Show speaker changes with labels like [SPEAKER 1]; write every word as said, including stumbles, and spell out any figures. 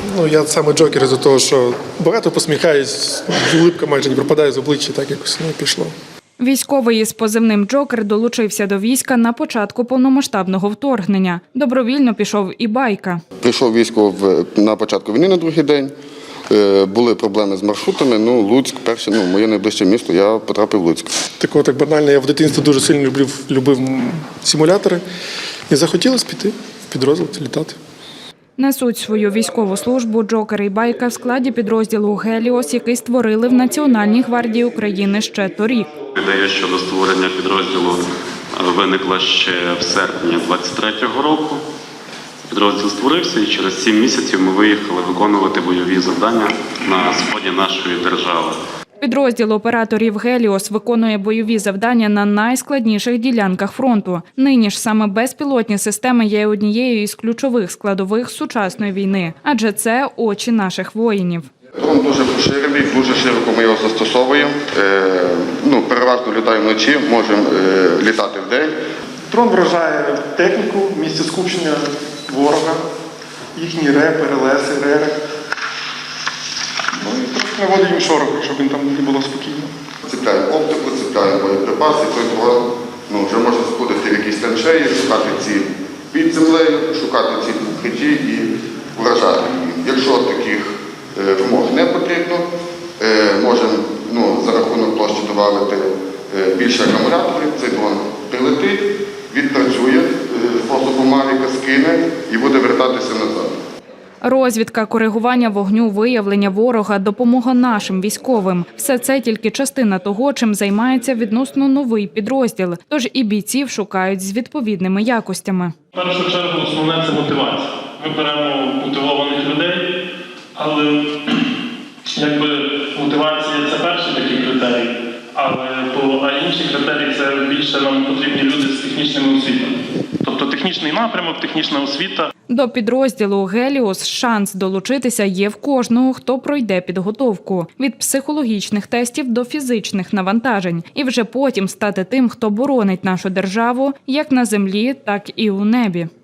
[SPEAKER 1] Ну, я саме джокер із-за того, що багато посміхаюсь, улипка майже не пропадає з обличчя, так якось не пішло.
[SPEAKER 2] Військовий із позивним «Джокер» долучився до війська на початку повномасштабного вторгнення. Добровільно пішов і Байка.
[SPEAKER 3] Прийшов військо на початку війни на другий день. Були проблеми з маршрутами. Ну, Луцьк, перше, ну, моє найближче місто, я потрапив в Луцьк.
[SPEAKER 1] Такого так банально, я в дитинстві дуже сильно любив, любив симулятори. І захотілося піти в підрозділ, літати.
[SPEAKER 2] Несуть свою військову службу «Джокер» і Байка в складі підрозділу «Геліос», який створили в Національній гвардії України ще торік.
[SPEAKER 4] Ідея щодо створення підрозділу виникла ще в серпні двадцять третього року. Підрозділ створився і через сім місяців ми виїхали виконувати бойові завдання на сході нашої держави.
[SPEAKER 2] Підрозділ операторів «Геліос» виконує бойові завдання на найскладніших ділянках фронту. Нині ж саме безпілотні системи є однією із ключових складових сучасної війни, адже це очі наших воїнів.
[SPEAKER 3] Дрон дуже поширений, дуже широко ми його застосовуємо. Е, ну, переважно літаємо вночі, можемо е, літати вдень.
[SPEAKER 1] Дрон вражає техніку, місце скупчення ворога, їхні репи, релеси, рери. Ну і трохи наводить їм шороху, щоб їм там не було спокійно.
[SPEAKER 3] Цепляємо оптику, цепляємо боєприпаси, той дрон ну, вже може заходити в якісь траншеї, шукати ці під землею, шукати ці укритті і вражати їх. Якщо таких е, вимог не потрібно, е, можемо ну, за рахунок площі додати е, більше акумуляторів, цей дрон прилетить, відпрацює, способу Мавіка скине і буде вертатися назад.
[SPEAKER 2] Розвідка, коригування вогню, виявлення ворога, допомога нашим військовим – все це тільки частина того, чим займається відносно новий підрозділ. Тож і бійців шукають з відповідними якостями.
[SPEAKER 5] В першу чергу основне – це мотивація. Ми беремо мотивованих людей, але якби мотивація – це перший такий критерій, але по, а інші критерії – це більше нам потрібні люди з технічними освітами. Тобто технічний напрямок, технічна освіта.
[SPEAKER 2] До підрозділу «Геліос» шанс долучитися є в кожного, хто пройде підготовку. Від психологічних тестів до фізичних навантажень. І вже потім стати тим, хто боронить нашу державу як на землі, так і у небі.